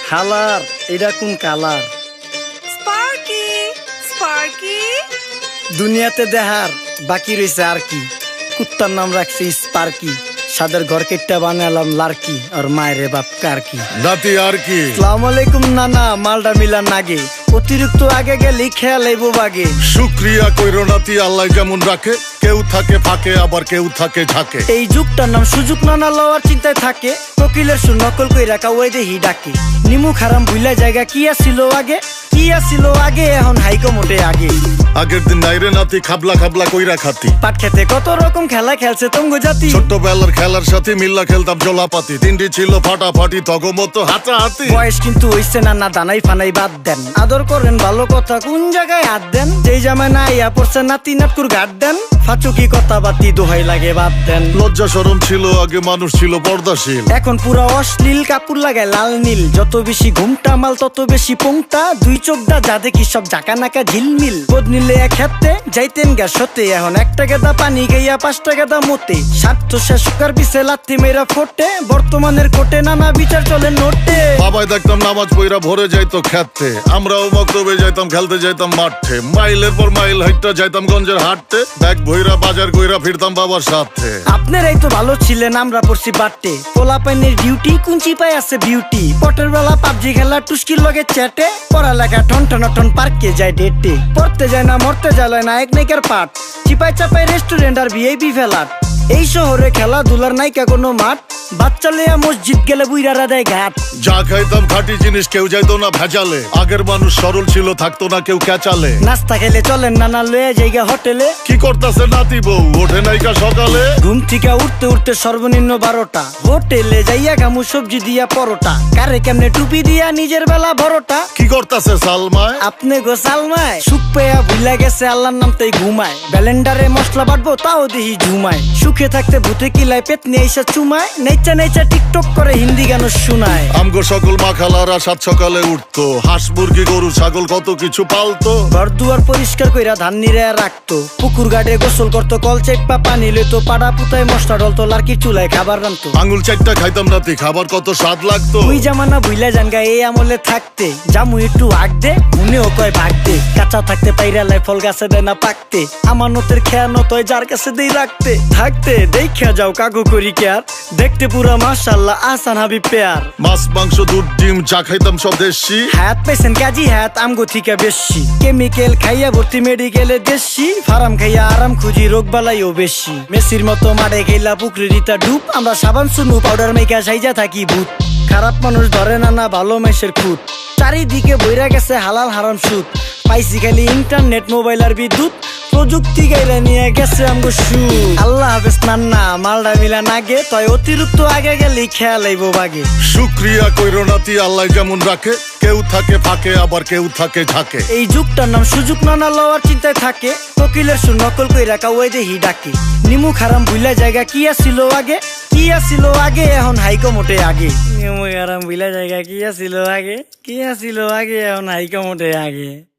হালার এটা কোন কালার? স্পার্কি স্পার্কি দুনিয়াতে দেহার বাকি রয়েছে আর কি। কুত্তার নাম রাখছি স্পার্কি, সাদের ঘর কেটটা বানালাম লার্কি, আর মায়ের বাপ কারকি। নাতি আর কি? আসসালামু আলাইকুম নানা, মালডা মিলা নাগে, অতিরিক্ত আগে গেলে খেয়াল আইবো বাগে। শুক্রিয়া কইরো নাতি, আল্লাহ যেমন রাখে, কেউ থাকে ফাঁকে আবার কেউ থাকে ঝাঁকে। এই যুগটার নাম সুযোগ নানা লওয়ার চিন্তায় থাকে, কোকিলের সুর নকল কই রাখা ওই দেহি ডাকে। নিমু খারাম ভুলা জায়গা কি আসিল আগে, কি আসিল আগে, এখন হাইকো মোটে আগে। আগের দিন নাইরে নাতি খাবলা খাবলা কইরা খাতি, পাট খেতে কত রকম খেলা খেলছে তঙ্গ জাতি। ছোট্টবেলার খেলার সাথে মিল্লা খেলতাম জলাপাতি, তিনটি ছিল ফাটাফাটি তগমতো হাতাহাতি। বয়স কিন্তু হইছে না, না দানাই ফানাই বাদ দেন, আদর করেন ভালো কথা কোন জায়গায় হাত দেন। যেই জামায় না ইয়া পড়ছে নাতি নাটকুর গাট দেন, ফাচুকি কথা বাতি দোহাই লাগে বাদ দেন। লজ্জা শরম ছিল আগে, মানুষ ছিল পর্দাশীল, এখন পুরো অশ্লীল, কাপড় লাগায় লাল নীল। যত বেশি ঘুমটা মাল তত বেশি পোংটা, দুই চোখদা যা দেখি সব জাকা নাকা ঝিলমিল। বোধ নিলে এক হাতে যাইতেন গা সতে, এখন একটা গেদা পানি গাইয়া 5টা গেদা মতে। স্বার্থ শেষ কার পিছে লাথি মেয়েরা ফোটে, বর্তমানের কোটে নানা বিচার চলে নোটে। বাবাই দেখতাম নামাজ পইরা ভরে যাইতো খেতে, আমরাও মক্তবে যাইতাম, খেলতে যাইতাম মাঠে। মাইলের পর মাইল হাইটটা যাইতাম গঞ্জের হাটতে, ব্যাগ ভইরা বাজার কইরা ফিরতাম বাবার সাথে। আপনারাই তো ভালো ছিলেন, আমরা পড়ছি বাটে। পোলা পাইনের ডিউটি কুঞ্চি পাই আছে বিউটি, পটের বেলা পাবজি খেলা টুস্কির লগে চ্যাটে। পড়ালেখা টন টন টন পার্কে যায় ডেটে, পড়তে যায় না মরতে যায় নায়ক নায়িকার পাট। চিপাই চাপাই রেস্টুরেন্ট আর ভিআইপি ফেলাট, এই শহরে খেলাধুলার নাইকা কোনো মাঠ। বাচ্চা লেয়া মসজিদ গেলে বুইরারা দেয় ঘাট। যা খাইতাম খাঁটি জিনিস, কেউ যাইতো না ভেজালে। আগের মানুষ সরল ছিল, থাকতো না কেউ ক্যাচালে। নাস্তা খেলে চলেন নানা লয়ে জায়গা হোটেলে। কি করতাছে নাতি বউ, ওঠে নাইকা সকালে। ঘুম থেকে উঠতে উঠতে সর্বনিম্ন 12টা, হোটেলে যাইয়া গামু সবজি দিয়া পরোটা। কারে কেমনে টুপি দিয়া নিজের বেলা বড়টা। কি করতাছে সালমায়? আপনি গো সালমায় সুখ পেয়া ভুলা গেছে আল্লাহর নাম তাই ঘুমায়। ব্যালেন্ডারে মশলা বাটবো তাও দেহি ঝুমায়। সুখে থাকতে ভূতে কিলায় পেট নিয়ে এসে চুমায়। নেচা নেচা টিকটক করে হিন্দি গান শোনায়। আমগো সকল মাখালারা সাত সকালে উঠতো, হাঁস মুরগি গরু ছাগল কত কিছু পালতো। ঘর দুয়ার পরিষ্কার কইরা ধান নিরে রাখতো, পুকুর গাড়ে গোসল করতো, কল চেপা পানি লইতো। পাড়া পুতায় মশলা ডলতো, লার্কি চুলায় খাবার রান্তো। আঙুল চারটা খাইতাম নাতি, খাবার কত স্বাদ লাগতো। ওই জামানা ভুইলা জানগা এই আমলে থাকতে, জামু একটু আগ দে মনেও কয় ভাগ দে। কাঁচা থাকতে পাইরালায় ফল গাছে দেয় না পাকতে, আমানতের খেয়ানত হয় যার কাছে দেই রাখতে। থাকতে দেখা যাও কাগু করি কেয়ার, দেখতে পুরা মাশাআল্লাহ আসান হাবি পেয়ার। মাছ মাংস দুধ ডিম যা খাইতাম সব দেশি, হাত পেছেন কাজী হাত আমগো থিকা বেশি। কেমিক্যাল খাইয়া ভর্তি মেডিকেলে দেশি, ফার্ম খাইয়া আরাম খুঁজি রোগ বালাইও বেশি। মেসির মতো মারে গেলা পুকুরে রিতা ডুব, আমরা সাবান সুনু পাউডার মেকা সাইজা থাকি ভূত। খারাপ মানুষ ধরে না না ভালো মেসের খুঁত, চারিদিকে বইরা গেছে হালাল হারাম সুদ। পাইছি খালি ইন্টারনেট মোবাইল আর বিদ্যুৎ, প্রযুক্তি গাইলা নিয়ে গেছে আমগো সু। আল্লাহ হাফেজ নান্না, মালডা মিলা নাগে, তয় অতিরিক্ত আগে গেলে খেয়াল আইবো বাগে। শুক্রিয়া কইরো নাতি, আল্লাহ যেমন রাখে, কেউ থাকে ফাঁকে আবার কেউ থাকে ঝাঁকে। এই যুগটার নাম সুযোগ নানা লওয়ার চিন্তায় থাকে, কোকিলের সুর নকল কই রাখা ওই দেহি ডাকে। নিমু খারাম ভুলা জায়গা কি আসিল আগে, কি আসিল আগে, এখন হাইকো মোটে আগে। নিমু খারাম ভুলা জায়গা কি আসিল আগে, কি আসিল আগে, এখন হাইকো মোটে আগে।